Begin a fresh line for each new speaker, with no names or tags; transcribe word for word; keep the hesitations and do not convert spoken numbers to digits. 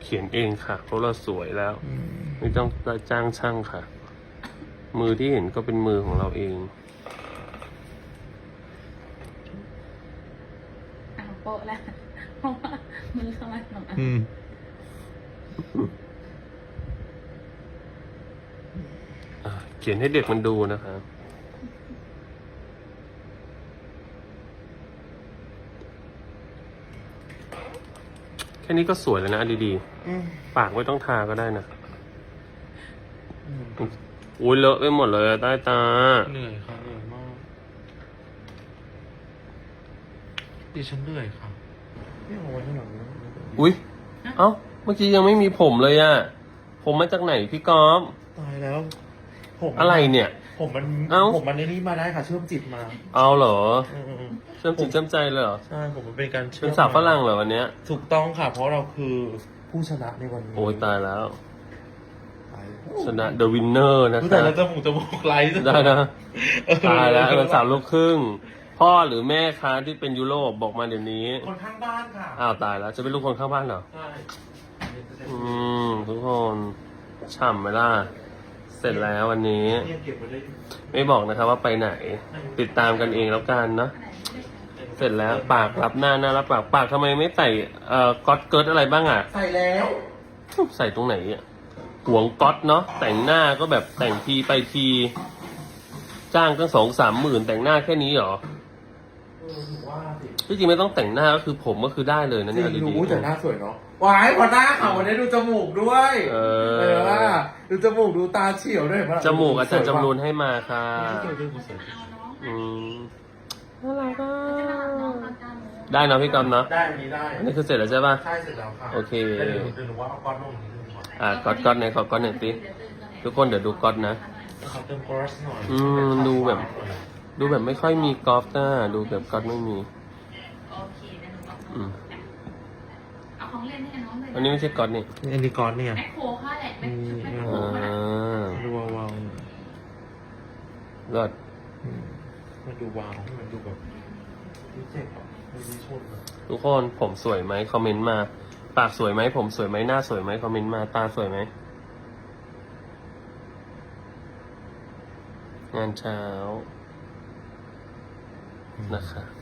ขียนเองค่ะเพราะเราสวยแล้วไม่ต้องจ้างช่างค่ะ มือที่เห็นก็เป็นมือของเราเอง
อ่ะโปะแล้วเพราะว่ามือเข้ามาทำอ่ะ
อืม
อ่ะเขียนให้เด็กมันดูนะคะแค่นี้ก็สวยแล้วนะดีๆปากไม่ต้องทาก็ได้นะอุ้ยเลอะไปหมดเลยใต้ตา
เหนื่อยค่ะเหนื่อยมากดิฉันเหนื่อยค่ะไม่เอาไว้ข้างหลังนะ
อุ้ยเอ้าเมื่อกี้ยังไม่มีผมเลยอะผมมาจากไหนพี่ก๊อฟ
ตายแล้วผม
อะไรเนี่ย
ผมมัน
เอ้า
ผมมันในนี้มาได้ค่ะ เชื่อมจิตมา
เอาเหรอ
อืม
เชื่อมจิตเชื่อมใจเลยเหรอ
ใช่ผมมันเป็นการเชื่อม
เป็นสาวฝรั่งเหรอวันเนี้ย
ถูกต้องค่ะ เพราะเราคือผู้ชนะในวันนี้
โอ้ยตายแล้ว
ตาย
ชนะ The Winner นะ
รู้
คะ
แต่แล้วจมูกจมูกไหล
ได้นะ ตายแล้วเป็นสาวลูกครึ่ง พ่อหรือแม่ค้าที่เป็นยุโรปบอกมาเดี๋ยวนี้
คนข้างบ้านค่ะ
อ้าวตายแล้ว จะเป็นลูกคนข้างบ้านเหรอ
ใช่
อืม ทุกคนฉ่ำไหมล่ะ เสร็จแล้ววันนี้
เนี่ยเก็บไว้ได้
ไม่บอกนะครับว่าไปไหน ติดตามกันเองแล้วกันเนาะ เสร็จแล้วปากรับหน้าหน้ารับปากปากทำไมไม่ใส่เอ่อก๊อตเกิร์ตอะไรบ้างอ่ะ
ใส่แล้ว
ใส่ตรงไหนอ่ะหวงก๊อตเนาะแต่งหน้าก็แบบแต่งทีไปที จ้างตั้งสองสามหมื่นแต่งหน้าแค่นี้เหรอ
เออถือว่าสิ
ที่จริงไม่ต้องแต่งหน้าก็คือผมก็คือได้เลยนะ
จ
เนี่ย
ริง
ดี
รู้แต่หน้าสวยเนาะวายพอหน้าขาววันนี้ดูจมูกด้วย
เอ
เออ
อ
ว่าดูจมูกดูตาเฉียวด้วยเห็นปะ
จมูกอาจารย์จำรูนให้มาค่ะ
สวยด้วยสวย
เอาน้อง
อืมน่ารักอ่ะ
จะมาน้องตอนเก้าโมง
ได้เนาะพี่กอมเนาะ
ได้อันนี้ได้
อันนี้คือเสร็จแล้วใช่ป่ะ
ใช่เสร็จแล้วค่ะ
โอเค
แล้วเดี๋ยวเดี๋ยวหนูว่าเอาก้อนลงนิดนึงก่อน
อ่ะก๊อตก๊อตไหนขอก๊อตหน่อยสิทุกคนเดี๋ยวดูก๊อตนะ
ขอเติมกรอสหน่อย
อืมดูแบบ ดูแบบไม่ค่อยมีกอล์ฟนะดูแบบก๊อตไม่มี
โอเคเดี๋ยวหนูบอก
อืม
เอาของเล่นให้น้องเลย
อันนี้ไม่ใช่ก๊อตนี่
อันนี้ก้อนเนี่ย
แมคโครค่ะแหละแมคแมคโคร
อ่
ค่ะ
า
ดูวาว
เลิศ
ๆอืมมันดูวาวมันดูแบบดูเจ็บอ่ะมันดูชนอ่ะ
ทุกคนผมสวยไหมคอมเมนต์มา ปากสวยไหมผมสวยไหมหน้าสวยไหมคอมเมนต์มาตาสวยไหมงานเช้านะคะ